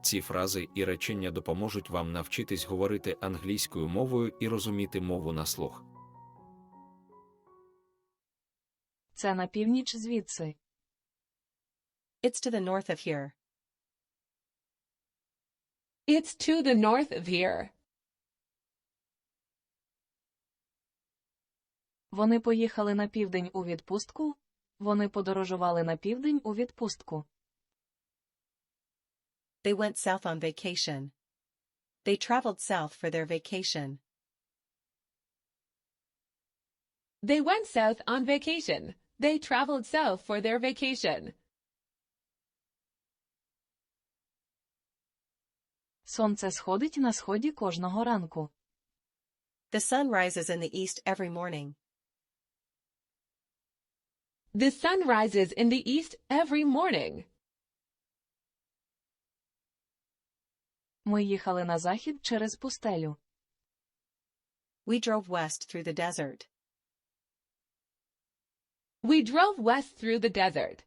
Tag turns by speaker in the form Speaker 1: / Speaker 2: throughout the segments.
Speaker 1: Ці фрази і речення допоможуть вам навчитись говорити англійською мовою і розуміти мову на слух.
Speaker 2: Це на північ звідси.
Speaker 3: It's to the north of here.
Speaker 4: It's to the north of here.
Speaker 2: Вони поїхали на південь у відпустку. Вони подорожували на південь у відпустку.
Speaker 3: They went south on vacation. They traveled south for their vacation.
Speaker 4: They went south on vacation. They traveled south for their vacation.
Speaker 2: Сонце сходить на сході кожного ранку.
Speaker 3: The sun rises in the east every morning.
Speaker 4: The sun rises in the east every morning.
Speaker 2: Ми їхали на захід через пустелю.
Speaker 3: We drove west through the desert.
Speaker 4: We drove west through the desert.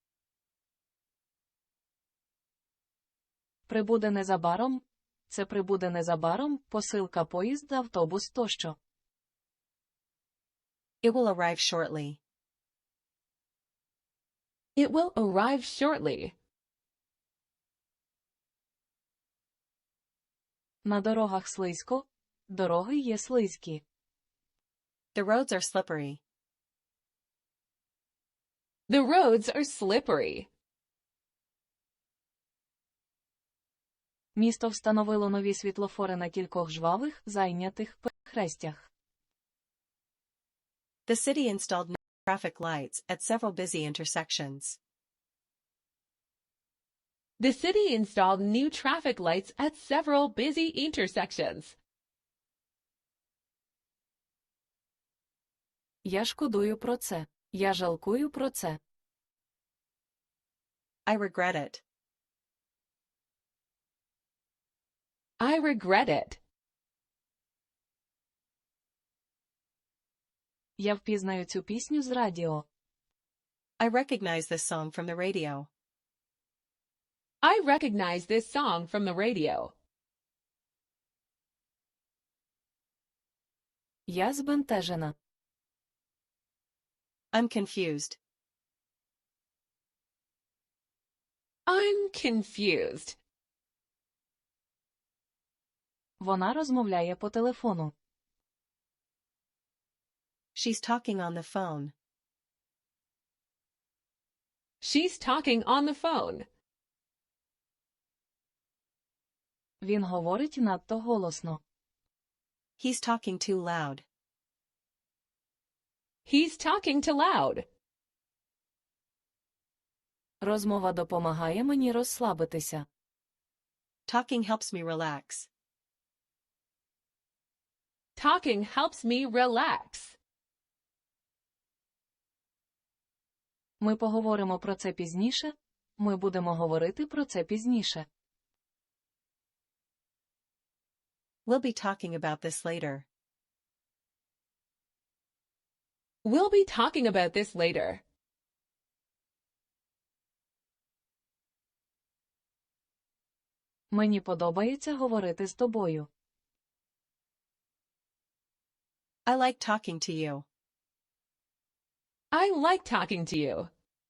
Speaker 2: Прибуде незабаром. Це прибуде незабаром, посилка, поїзд, автобус тощо.
Speaker 3: It will arrive shortly.
Speaker 4: It will arrive shortly.
Speaker 2: На дорогах слизько. Дороги є слизькі.
Speaker 3: The roads are slippery.
Speaker 4: The roads are slippery.
Speaker 2: Місто встановило нові світлофори на кількох жвавих, зайнятих перехрестях.
Speaker 3: The city installed new traffic lights at several busy intersections.
Speaker 4: The city installed new traffic lights at several busy intersections.
Speaker 2: Я шкодую про це. Я жалкую про це.
Speaker 3: I regret it.
Speaker 4: I regret it.
Speaker 2: Я впізнаю цю пісню з радіо.
Speaker 3: I recognize this song from the radio.
Speaker 4: I recognize this song from the radio.
Speaker 2: Я збентежена.
Speaker 3: I'm confused.
Speaker 4: I'm confused.
Speaker 2: Вона розмовляє по телефону.
Speaker 3: She's talking on the phone.
Speaker 4: She's talking on the phone.
Speaker 2: Він говорить надто голосно.
Speaker 3: He's talking too loud.
Speaker 4: He's talking too loud.
Speaker 2: Розмова допомагає мені розслабитися.
Speaker 3: Talking helps me relax.
Speaker 4: Talking helps me relax.
Speaker 2: Ми поговоримо про це пізніше. Ми будемо говорити про це пізніше.
Speaker 3: We'll be talking about this later.
Speaker 4: We'll be talking about this later.
Speaker 2: Мені подобається говорити з тобою.
Speaker 3: I like talking to you.
Speaker 4: I like talking to you.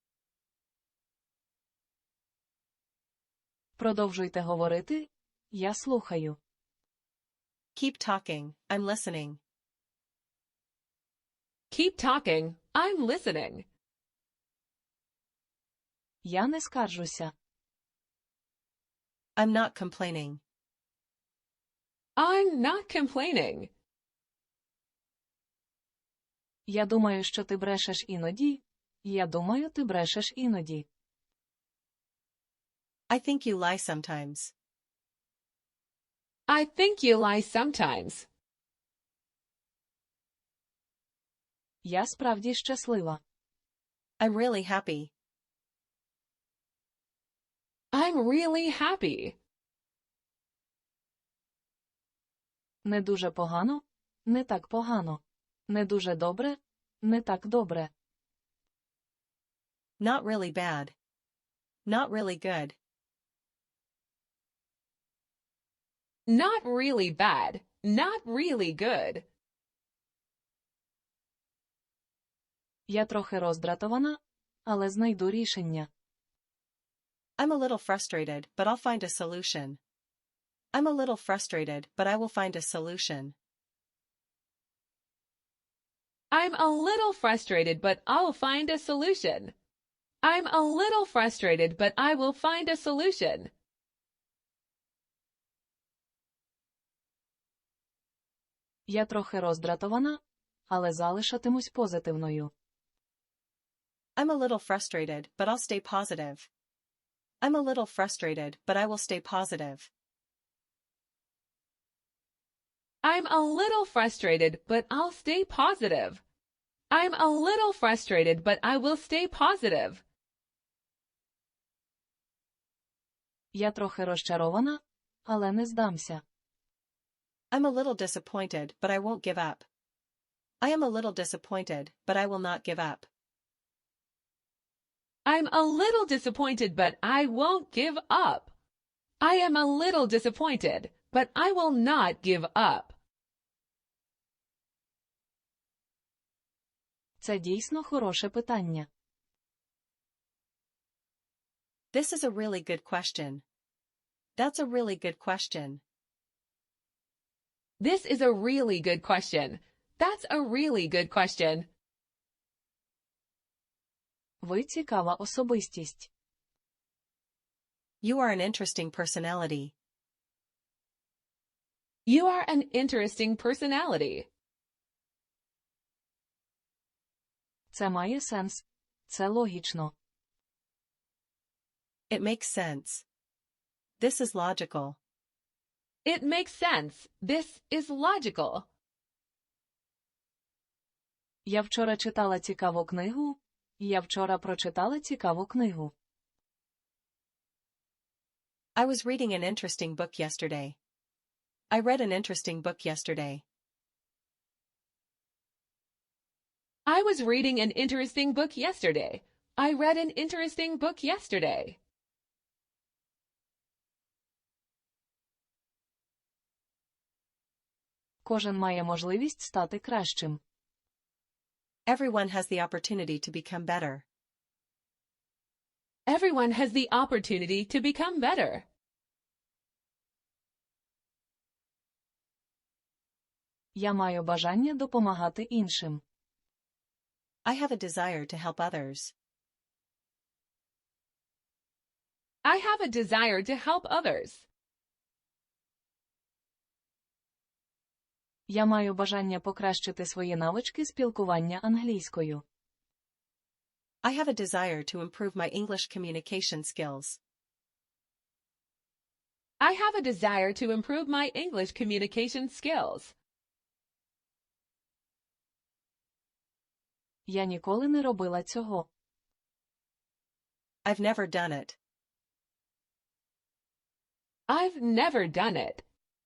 Speaker 2: Продовжуйте говорити. Я слухаю.
Speaker 3: Keep talking. I'm listening.
Speaker 4: Keep talking. I'm listening.
Speaker 2: Я не скаржуся.
Speaker 3: I'm not complaining.
Speaker 4: I'm not complaining.
Speaker 2: Я думаю, що ти брешеш іноді. Я думаю, ти брешеш іноді.
Speaker 3: I think you lie sometimes.
Speaker 4: I think you lie sometimes.
Speaker 2: Я справді щаслива.
Speaker 3: I'm really happy.
Speaker 4: I'm really happy.
Speaker 2: Не дуже погано, не так погано. Не дуже добре, не так добре.
Speaker 3: Not really bad. Not really good.
Speaker 4: Not really bad. Not really good.
Speaker 2: Я трохи роздратована, але знайду рішення.
Speaker 3: I'm a little frustrated, but I'll find a solution. I'm a little frustrated, but I will find a solution.
Speaker 4: I'm a little frustrated, but I'll find a solution. I'm a little frustrated, but I will find a solution.
Speaker 2: Я трохи роздратована, але залишатимусь позитивною.
Speaker 3: I'm a little frustrated, but I'll stay positive. I'm a little frustrated, but I will stay positive.
Speaker 4: I'm a little frustrated, but I'll stay positive. I'm a little frustrated, but I will stay positive.
Speaker 2: Я трохи розчарована, але не здамся.
Speaker 3: I'm a little disappointed, but I won't give up. I am a little disappointed, but I will not give up.
Speaker 4: I'm a little disappointed, but I won't give up. I am a little disappointed, but I will not give up.
Speaker 2: Це дійсно хороше питання.
Speaker 3: This is a really good question. That's a really good question.
Speaker 4: This is a really good question. That's a really good question.
Speaker 2: Ви цікава особистість.
Speaker 3: You are an interesting personality.
Speaker 4: You are an interesting personality.
Speaker 2: Це має сенс. Це логічно.
Speaker 3: It makes sense. This is logical.
Speaker 4: It makes sense. This is logical.
Speaker 2: Я вчора читала цікаву книгу. Я вчора прочитала цікаву книгу.
Speaker 3: I was reading an interesting book yesterday. I read an interesting book yesterday.
Speaker 4: I was reading an interesting book yesterday. I read an interesting book yesterday.
Speaker 2: Кожен має можливість стати кращим.
Speaker 3: Everyone has the opportunity to become better.
Speaker 4: Everyone has the opportunity to become better.
Speaker 2: Я маю бажання допомагати іншим.
Speaker 3: I have a desire to help others.
Speaker 4: I have a desire to help others.
Speaker 2: Я маю бажання покращити свої навички спілкування англійською.
Speaker 3: I have a desire to improve my English communication skills.
Speaker 4: I have a desire to improve my English communication skills.
Speaker 2: Я ніколи не робила цього.
Speaker 3: I've never done it.
Speaker 4: I've never done it.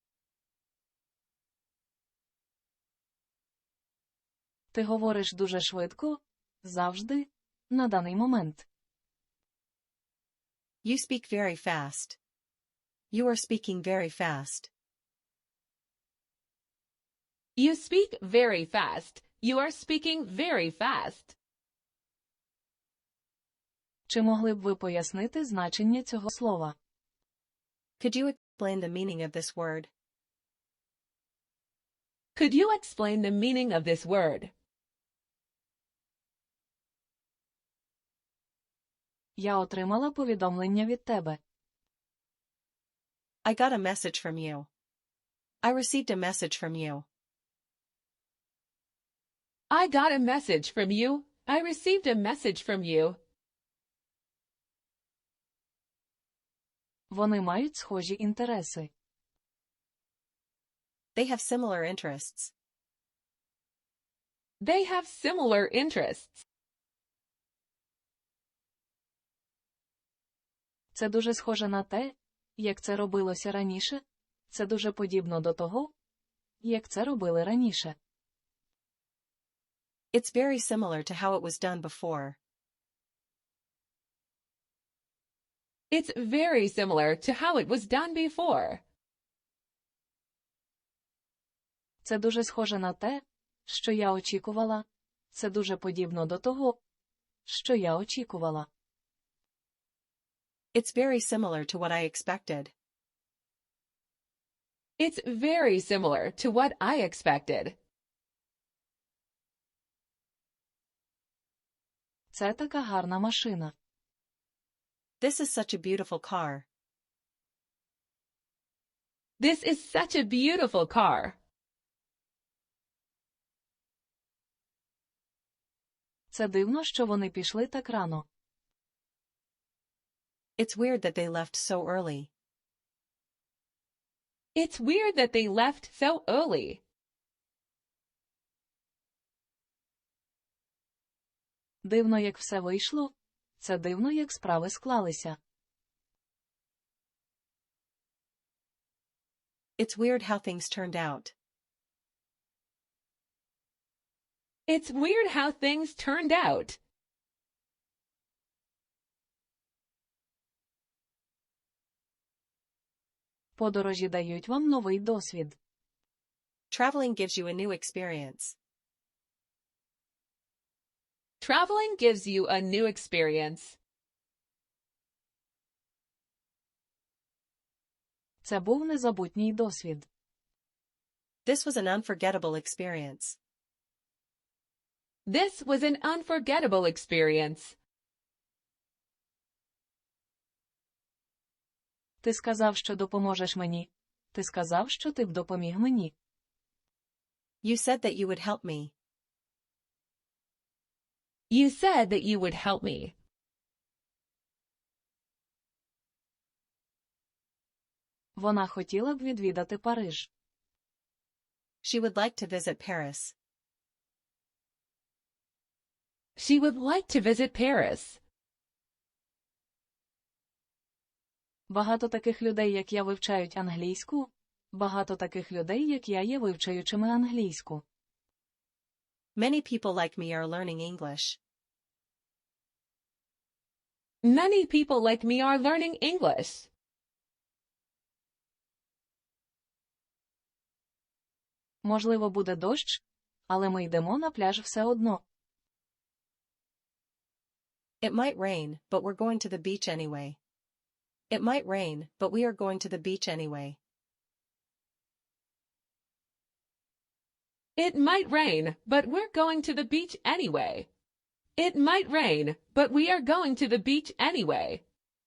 Speaker 2: Ти говориш дуже швидко, завжди, на даний момент.
Speaker 3: You speak very fast. You are speaking very fast.
Speaker 4: You speak very fast. You are speaking very fast.
Speaker 2: Чи могли б ви пояснити значення цього слова?
Speaker 3: Could you explain the meaning of this word?
Speaker 4: Could you explain the meaning of this word?
Speaker 2: Я отримала повідомлення від тебе.
Speaker 3: I got a message from you. I received a message from you.
Speaker 4: I got a message from you. I received a message from you.
Speaker 2: Вони мають схожі інтереси.
Speaker 3: They have similar interests.
Speaker 4: They have similar interests.
Speaker 2: Це дуже схоже на те, як це робилося раніше. Це дуже подібно до того, як це робили раніше.
Speaker 3: It's very similar to how it was done before.
Speaker 4: It's very similar to how it was done before.
Speaker 2: Це дуже схоже на те, що я очікувала. Це дуже подібно до того, що я очікувала.
Speaker 3: It's very similar to what I expected.
Speaker 4: It's very similar to what I expected.
Speaker 2: Це така гарна машина.
Speaker 3: This is such a beautiful car.
Speaker 4: This is such a beautiful car.
Speaker 2: Це дивно, що вони пішли так рано.
Speaker 3: It's weird that they left so early.
Speaker 4: It's weird that they left so early.
Speaker 2: Дивно, як все вийшло. Це дивно, як справи склалися.
Speaker 3: It's weird how things turned out.
Speaker 4: It's weird how things turned out.
Speaker 2: Подорожі дають вам новий досвід.
Speaker 3: Traveling gives you a new experience.
Speaker 4: Traveling gives you a new experience.
Speaker 2: Це був незабутній досвід.
Speaker 3: This was an unforgettable experience.
Speaker 4: This was an unforgettable experience.
Speaker 2: Ти сказав, що допоможеш мені. Ти сказав, що ти б допоміг мені.
Speaker 3: You said that you would help me.
Speaker 4: You said that you would help me.
Speaker 2: Вона хотіла б відвідати Париж.
Speaker 3: She would like to visit Paris.
Speaker 4: She would like to visit Paris.
Speaker 2: Багато таких людей, як я, вивчають англійську. Багато таких людей, як я, є вивчаючими англійську.
Speaker 3: Many people like me are learning English.
Speaker 4: Many people like me are learning English.
Speaker 2: Можливо, буде дощ, але ми йдемо на пляж все одно.
Speaker 3: It might rain, but we're going to the beach anyway. It might rain, but we are going to the beach anyway.
Speaker 4: It might rain, but we're going to the beach anyway. It might rain, but we are going to the beach anyway.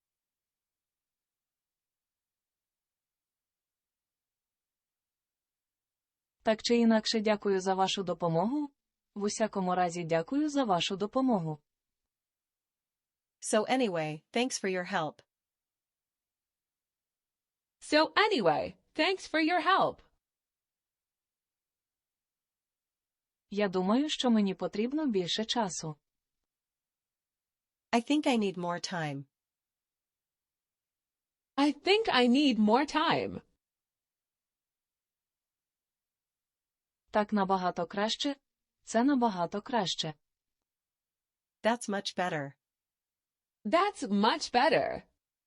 Speaker 2: Так чи інакше, дякую за вашу допомогу. В усякому разі, дякую за вашу допомогу.
Speaker 3: So anyway, thanks for your help.
Speaker 4: So anyway, thanks for your help.
Speaker 2: Я думаю, що мені потрібно більше часу.
Speaker 3: I think I need more time.
Speaker 4: I think I need more time.
Speaker 2: Так набагато краще. Це набагато краще.
Speaker 3: That's much better.
Speaker 4: That's much better.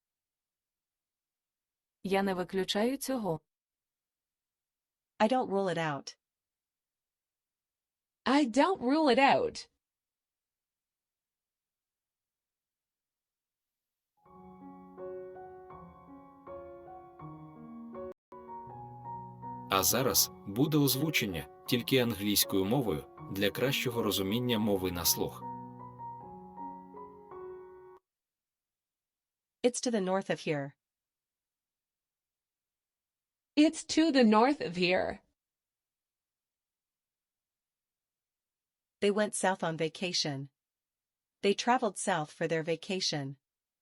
Speaker 2: Я не виключаю цього.
Speaker 3: I don't rule it out.
Speaker 4: I don't rule it out.
Speaker 1: А зараз буде озвучення тільки англійською мовою для кращого розуміння мови на слух.
Speaker 3: It's to the north of here.
Speaker 4: It's to the north of here.
Speaker 3: They went south on vacation. They traveled south for their vacation.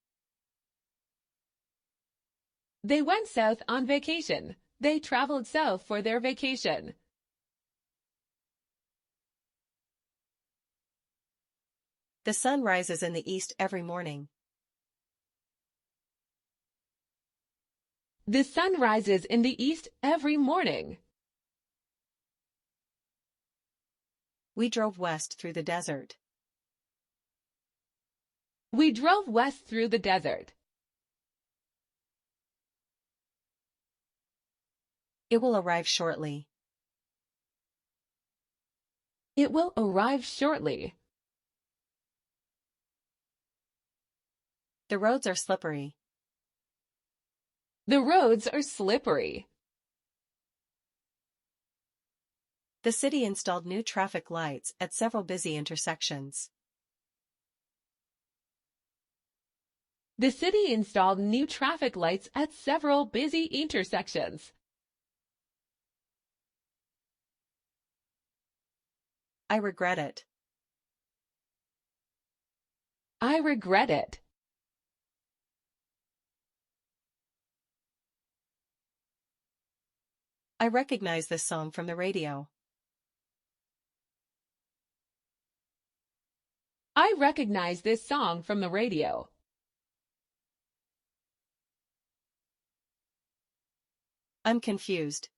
Speaker 4: They went south on vacation. They traveled south for their vacation.
Speaker 3: The sun rises in the east every morning.
Speaker 4: The sun rises in the east every morning.
Speaker 3: We drove west through the desert.
Speaker 4: We drove west through the desert.
Speaker 3: It will arrive shortly.
Speaker 4: It will arrive shortly.
Speaker 3: The roads are slippery.
Speaker 4: The roads are slippery.
Speaker 3: The city installed new traffic lights at several busy intersections.
Speaker 4: The city installed new traffic lights at several busy intersections.
Speaker 3: I regret it.
Speaker 4: I regret it.
Speaker 3: I recognize this song from the radio.
Speaker 4: I recognize this song from the radio.
Speaker 3: I'm confused.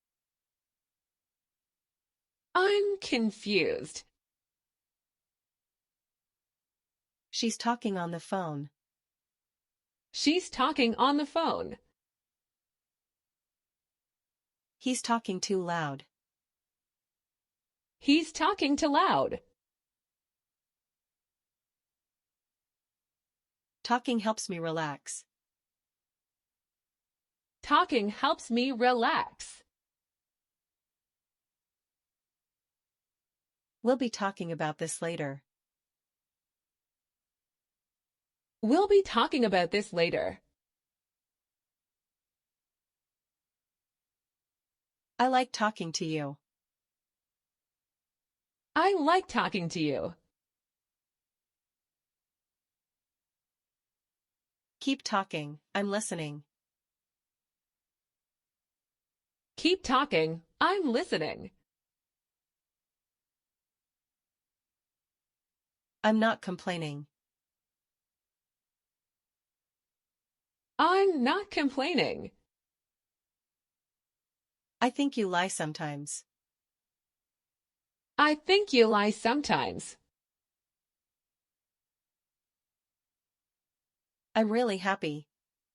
Speaker 4: I'm confused.
Speaker 3: She's talking on the phone.
Speaker 4: She's talking on the phone.
Speaker 3: He's talking too loud.
Speaker 4: He's talking too loud.
Speaker 3: Talking helps me relax.
Speaker 4: Talking helps me relax.
Speaker 3: We'll be talking about this later.
Speaker 4: We'll be talking about this later.
Speaker 3: I like talking to you.
Speaker 4: I like talking to you.
Speaker 3: Keep talking, I'm listening.
Speaker 4: Keep talking, I'm listening.
Speaker 3: I'm not complaining.
Speaker 4: I'm not complaining.
Speaker 3: I think you lie sometimes.
Speaker 4: I think you lie sometimes.
Speaker 3: I'm really happy.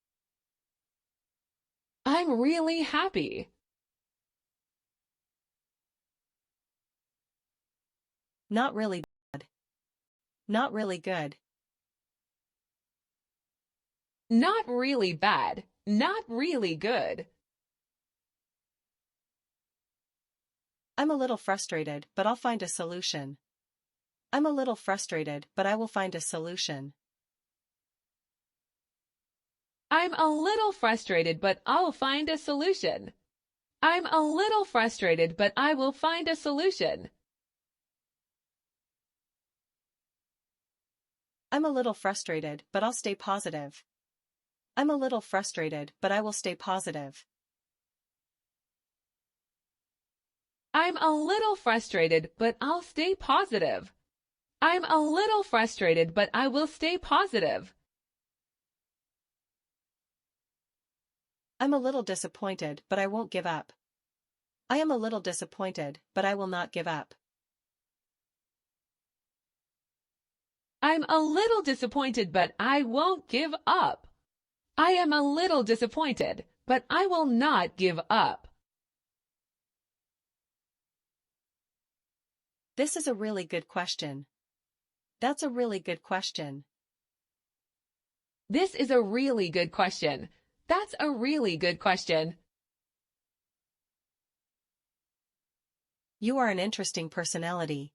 Speaker 4: I'm really happy.
Speaker 3: Not really bad. Not really good.
Speaker 4: Not really bad. Not really good.
Speaker 3: I'm a little frustrated, but I'll find a solution. I'm a little frustrated, but I will find a solution.
Speaker 4: I'm a little frustrated, but I'll find a solution. I'm a little frustrated, but I will find a solution.
Speaker 3: I'm a little frustrated, but I'll stay positive. I'm a little frustrated, but I will stay positive.
Speaker 4: I'm a little frustrated, but I'll stay positive. I'm a little frustrated, but I will stay positive.
Speaker 3: I'm a little disappointed, but I won't give up. I am a little disappointed, but I will not give up.
Speaker 4: I'm a little disappointed, but I won't give up. I am a little disappointed, but I will not give up.
Speaker 3: This is a really good question. That's a really good question.
Speaker 4: This is a really good question. That's a really good question.
Speaker 3: You are an interesting personality.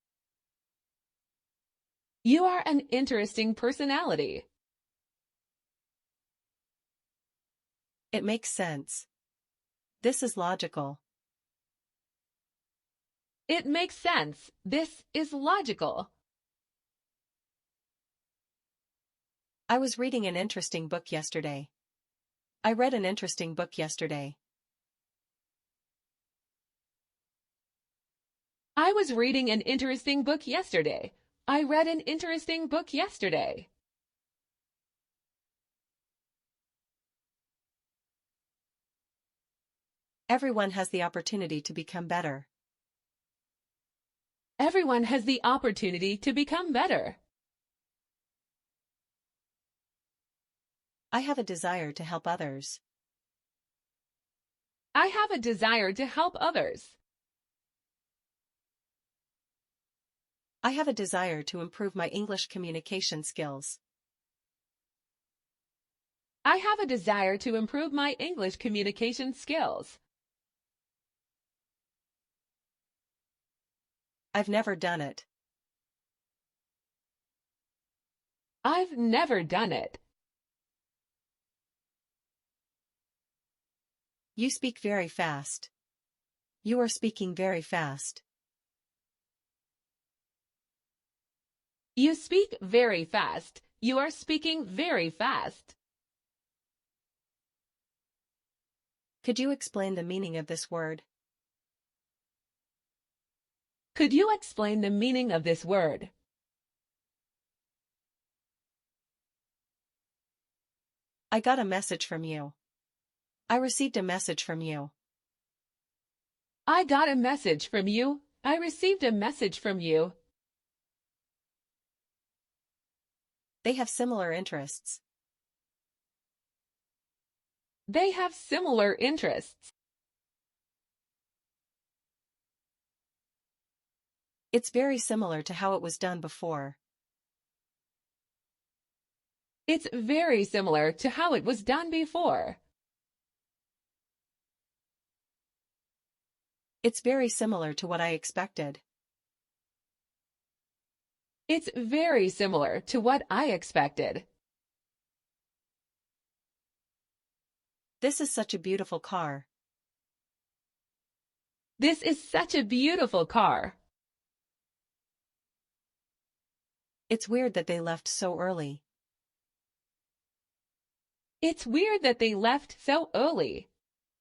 Speaker 4: You are an interesting personality.
Speaker 3: It makes sense. This is logical.
Speaker 4: It makes sense. This is logical.
Speaker 3: I was reading an interesting book yesterday. I read an interesting book yesterday.
Speaker 4: I was reading an interesting book yesterday. I read an interesting book yesterday.
Speaker 3: Everyone has the opportunity to become better.
Speaker 4: Everyone has the opportunity to become better.
Speaker 3: I have a desire to help others.
Speaker 4: I have a desire to help others.
Speaker 3: I have a desire to improve my English communication skills.
Speaker 4: I have a desire to improve my English communication skills.
Speaker 3: I've never done it.
Speaker 4: I've never done it.
Speaker 3: You speak very fast. You are speaking very fast.
Speaker 4: You speak very fast. You are speaking very fast.
Speaker 3: Could you explain the meaning of this word?
Speaker 4: Could you explain the meaning of this word?
Speaker 3: I got a message from you. I received a message from you.
Speaker 4: I got a message from you. I received a message from you.
Speaker 3: They have similar interests.
Speaker 4: They have similar interests.
Speaker 3: It's very similar to how it was done before.
Speaker 4: It's very similar to how it was done before.
Speaker 3: It's very similar to what I expected.
Speaker 4: It's very similar to what I expected.
Speaker 3: This is such a beautiful car.
Speaker 4: This is such a beautiful car.
Speaker 3: It's weird that they left so early.
Speaker 4: It's weird that they left so early.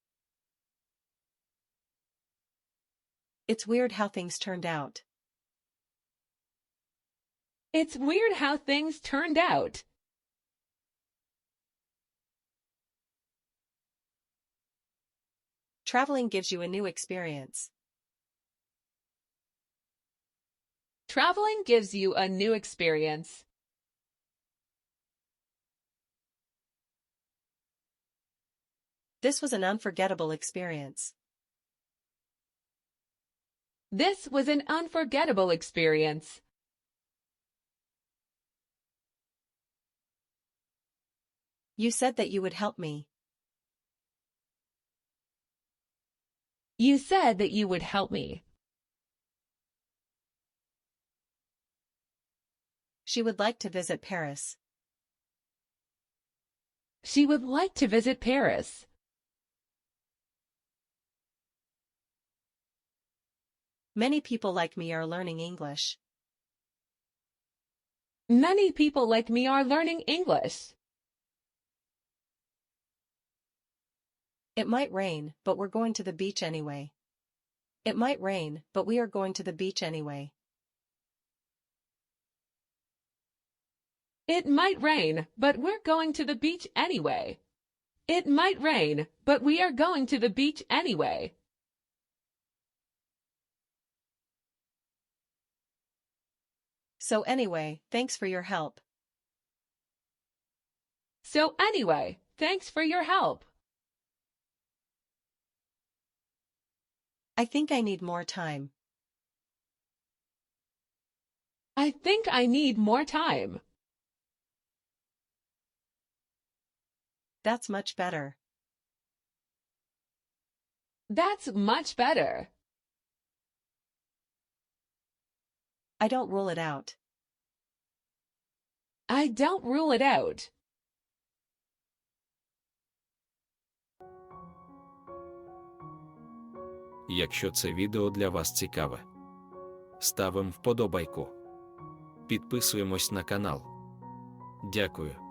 Speaker 3: It's weird how things turned out.
Speaker 4: It's weird how things turned out.
Speaker 3: Traveling gives you a new experience.
Speaker 4: Traveling gives you a new experience.
Speaker 3: This was an unforgettable experience.
Speaker 4: This was an unforgettable experience.
Speaker 3: You said that you would help me.
Speaker 4: You said that you would help me.
Speaker 3: She would like to visit Paris.
Speaker 4: She would like to visit Paris.
Speaker 3: Many people like me are learning English.
Speaker 4: Many people like me are learning English.
Speaker 3: It might rain, but we're going to the beach anyway. It might rain, but we are going to the beach anyway.
Speaker 4: It might rain, but we're going to the beach anyway. It might rain, but we are going to the beach anyway.
Speaker 3: So anyway, thanks for your help.
Speaker 4: So anyway, thanks for your help.
Speaker 3: I think I need more time.
Speaker 4: I think I need more time.
Speaker 3: That's much better.
Speaker 4: That's much better.
Speaker 3: I don't rule it out.
Speaker 4: I don't rule it out.
Speaker 1: Якщо це відео для вас цікаве, ставимо вподобайку. Підписуємось на канал. Дякую.